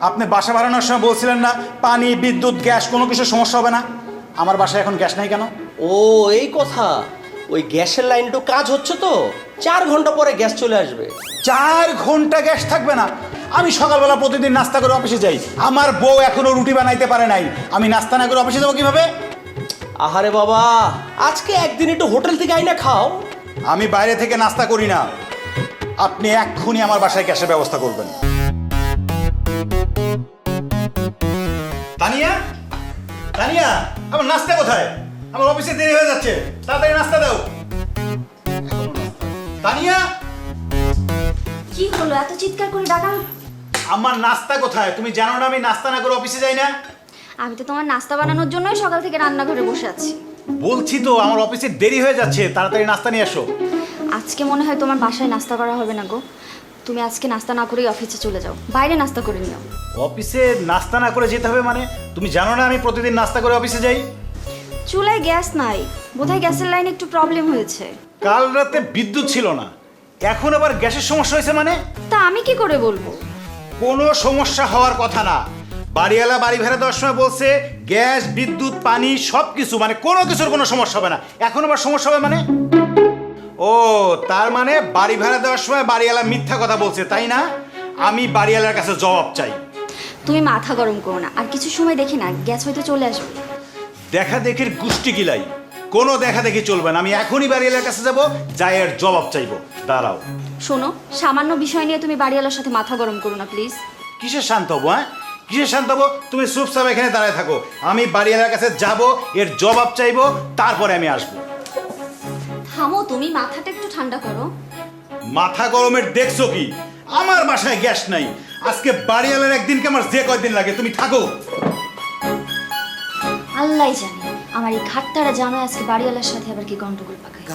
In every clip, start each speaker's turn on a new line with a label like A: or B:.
A: আপনি বাসা বাড়ানোর সময় বলছিলেন না পানি বিদ্যুৎ গ্যাস কোনো কিছু সমস্যা হবে না? আমার বাসায় এখন গ্যাস নাই কেন?
B: ও এই কথা, ওই গ্যাসের লাইনটা কাজ হচ্ছে তো 4 ঘন্টা পরে গ্যাস চলে আসবে।
A: 4 ঘন্টা গ্যাস থাকবে না? আমি সকালবেলা প্রতিদিন নাস্তা করে অফিসে যাই, আমার বউ এখনো রুটি বানাইতে পারে নাই, আমি নাস্তা না করে অফিসে যাবো কিভাবে?
B: আহারে বাবা, আজকে একদিন একটু হোটেল থেকে আইনা খাও।
A: আমি বাইরে থেকে নাস্তা করি না, আপনি এক্ষুনি আমার বাসায় গ্যাসের ব্যবস্থা করবেন। তানিয়া, তানিয়া, আমার নাস্তা কোথায়? আমার অফিসে দেরি হয়ে যাচ্ছে, তাড়াতাড়ি নাস্তা দাও। তানিয়া,
C: কি হলো এত চিৎকার করে ডাকা?
A: আমার নাস্তা কোথায়? তুমি জানো না আমি নাস্তা না করে অফিসে যাই না?
C: আমি তো তোমার নাস্তা বানানোর জন্যই সকাল থেকে রান্নাঘরে বসে আছি।
A: বলছি তো আমার অফিসে দেরি হয়ে যাচ্ছে, তাড়াতাড়ি নাস্তা নিয়ে এসো।
C: আজকে মনে হয় তোমার বাসায় নাস্তা করা হবে না গো। তুমি আজকে নাস্তা না করেই অফিসে চলে যাও, বাইরে নাস্তা করে নিও।
A: অফিসে নাস্তা না করে যেতে হবে মানে? তুমি জানো না আমি প্রতিদিন নাস্তা করে অফিসে যাই?
C: চুলায় গ্যাস নাই, বোধহয় গ্যাসের লাইনে একটু প্রবলেম হয়েছে।
A: কাল রাতে বিদ্যুৎ ছিল না, এখন আবার গ্যাসের সমস্যা হয়েছে মানে?
C: তা আমি কি করে বলবো?
A: কোনো সমস্যা হওয়ার কথা না। বাড়িওয়ালা বাড়ি ভাড়া দেওয়ার সময় বলছে গ্যাস বিদ্যুৎ পানি সব কিছু, মানে কোনো কিছুর কোনো সমস্যা হবে না, এখন আবার সমস্যা হবে মানে? ও তার মানে বাড়ি ভাড়া দেওয়ার সময় বাড়িওয়ালা মিথ্যা কথা বলছে, তাই না? আমি বাড়িওয়ালার কাছে জবাব চাই।
C: তুমি মাথা গরম করো না, আর কিছু সময় দেখি না গ্যাস হয়তো চলে আসবে।
A: দেখা দেখির গুষ্টি গিলাই, কোনো দেখা দেখি চলবে না। আমি এখনই বাড়িওয়ালার কাছে যাব, যাই এর জবাব চাইবো। দাঁড়াও।
C: শোনো, সামান্য বিষয় নিয়ে তুমি বাড়িওয়ালার সাথে মাথা গরম করো না প্লিজ।
A: কিসের শান্ত হবো? হ্যাঁ, কিসের শান্ত হবো? তুমি চুপচাপ এখানে দাঁড়ায় থাকো, আমি বাড়িওয়ালার কাছে যাব, এর জবাব চাইবো, তারপরে আমি আসবো।
C: থামো, তুমি মাথাটা একটু ঠান্ডা করো।
A: মাথা গরমের দেখছো কি? আমার বাসায় গ্যাস নাই, আজকে বাড়িওয়ালার একদিনকে আমার যে কয়দিন লাগে। তুমি থাকো।
C: আল্লাহ জানে আমার এই ঘাটতারা জামাই আজকে বাড়িওয়ালার সাথে আবার কি গন্ডগোল পাকায়।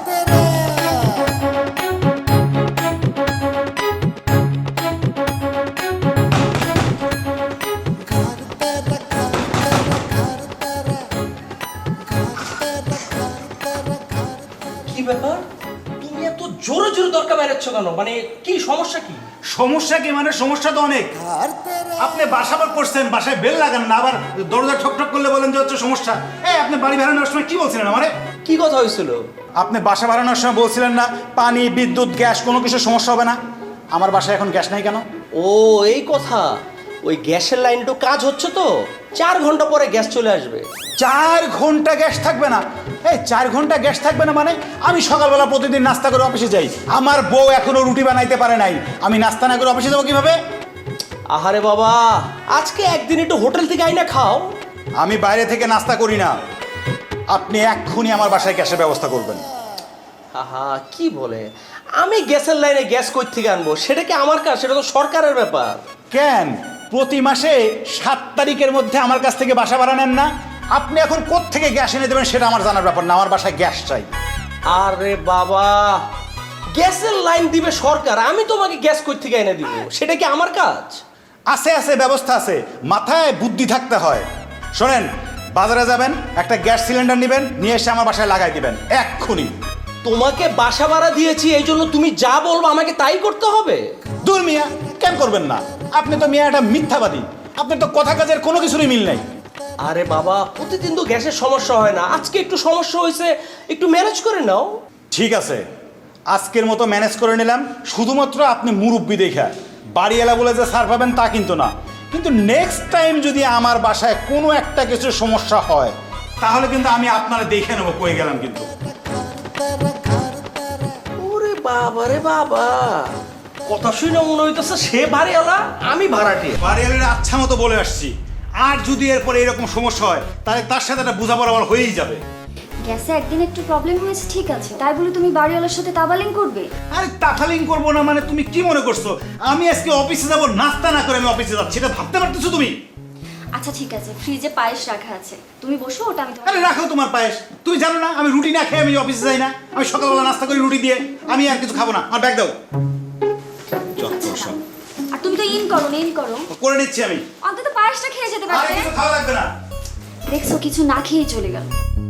B: কি ব্যাপার, তুমি এত জোরে জোরে দরকার বেরাচ্ছ কেন? মানে কি সমস্যা কি?
A: সমস্যা কি মানে? সমস্যা তো অনেক। আপনি বাসা বার করছেন, বাসায় বেল লাগান না, আবার দরজা ঠক ঠক করলে বলেন যে হচ্ছে সমস্যা। এই আপনি বাড়ি বাড়ানোর সময় কি বলছিলেন আমারে?
B: কি কথা হয়েছিল?
A: আপনি বাসা বাড়ানোর সময় বলছিলেন না পানি বিদ্যুৎ গ্যাস কোনো কিছু সমস্যা হবে না? আমার বাসায় এখন গ্যাস নাই কেন?
B: ও এই কথা, ওই গ্যাসের লাইনটা কাজ হচ্ছে তো 4 ঘন্টা পরে গ্যাস চলে আসবে।
A: 4 ঘন্টা গ্যাস থাকবে না? এই 4 ঘন্টা গ্যাস থাকবে না মানে? আমি সকালবেলা প্রতিদিন নাস্তা করে অফিসে যাই, আমার বউ এখনো রুটি বানাইতে পারে নাই, আমি নাস্তা না করে অফিসে যাবো কিভাবে?
B: আহারে বাবা, আজকে একদিন একটু হোটেল থেকে আইনা খাও।
A: আমি বাইরে থেকে নাস্তা করি না, আপনি এক্ষুনি আমার বাসায় গ্যাসের ব্যবস্থা করবেন।
B: আহা কি বলে, আমি গ্যাসের লাইনে গ্যাস কই থেকে আনবো? সেটা কি আমার কাজ? সেটা তো সরকারের ব্যাপার।
A: কেন প্রতি মাসে 7 তারিখের মধ্যে আমার কাছ থেকে বাসা ভাড়া নেন না? আপনি এখন কোত্থেকে গ্যাস এনে দেবেন সেটা আমার জানার ব্যাপার না, আমার বাসায় গ্যাস চাই।
B: আরে বাবা, গ্যাসের লাইন দিবে সরকার, আমি তোমাকে গ্যাস কই থেকে এনে দিব? সেটা কি আমার কাজ?
A: আছে আছে, ব্যবস্থা আছে, মাথায় বুদ্ধি থাকতে হয়। শোনেন, বাজারে যাবেন, একটা গ্যাস সিলিন্ডার নেবেন, নিয়ে এসে আমার বাসায় লাগাই দিবেন এক্ষুনি।
B: তোমাকে বাসা ভাড়া দিয়েছি, এই জন্য তুমি যা বলবো আমাকে তাই করতে হবে?
A: দূর মিয়া, কেন করবেন না? আপনি তো মিয়া একটা মিথ্যাবাদী, আপনার তো কথা কাজের কোনো কিছুরই মিল নাই।
B: আরে বাবা, প্রতিদিন তো গ্যাসের সমস্যা হয় না, আজকে একটু সমস্যা হয়েছে, একটু ম্যানেজ করে নাও।
A: ঠিক আছে, আজকের মতো ম্যানেজ করে নিলাম, শুধুমাত্র আপনি মুরব্বি দেখা। বাড়িওয়ালা বলে যে ছাড় পাবেন তা কিন্তু না, কিন্তু নেক্সট টাইম যদি আমার বাসায় কোনো একটা কিছু সমস্যা হয় তাহলে কিন্তু আমি আপনারা দেখে নেবো কই গেলাম কিন্তু।
B: ওরে বাবা রে বাবা, কথা শুনে মনে হইতেছে সে বাড়িওয়ালা, আমি ভাড়াটে।
A: বাড়িওয়ালার আচ্ছা মতো বলে আসছি, আর যদি এরপরে এরকম সমস্যা হয় তাহলে তার সাথে একটা বোঝাপড়া আমার হয়েই যাবে।
C: গ্যাসে একদিন একটু প্রবলেম হয়েছে ঠিক আছে, তাই বলে তুমি বাড়িওয়ালার সাথে তাবালিং করবে?
A: আরে তাফালিং করবো না মানে? তুমি কি মনে করছো আমি আজকে অফিসে যাবো নাস্তা না করে আমি অফিসে যাচ্ছি? এটা ভাবতে পারতেছো তুমি?
C: আচ্ছা ঠিক আছে, ফ্রিজে পায়েস রাখা আছে, তুমি বসো, ওটা আমি
A: আরে রাখো তোমার পায়েস। তুমি জানো না আমি রুটি না খেয়ে আমি অফিসে যাই না? আমি সকালবেলা নাস্তা করি রুটি দিয়ে, আমি আর কিছু খাবো না। আমার ব্যাগ দাও।
C: আর তুমি তো ইন করো না, ইন করো,
A: করে নিচ্ছি আমি।
C: অন্তত পায়েসটা খেয়ে যেতে
A: আর
C: পারবে।
A: কিছু খাওয়া লাগবে না।
C: দেখছো কিছু না খেয়েই চলে গেল।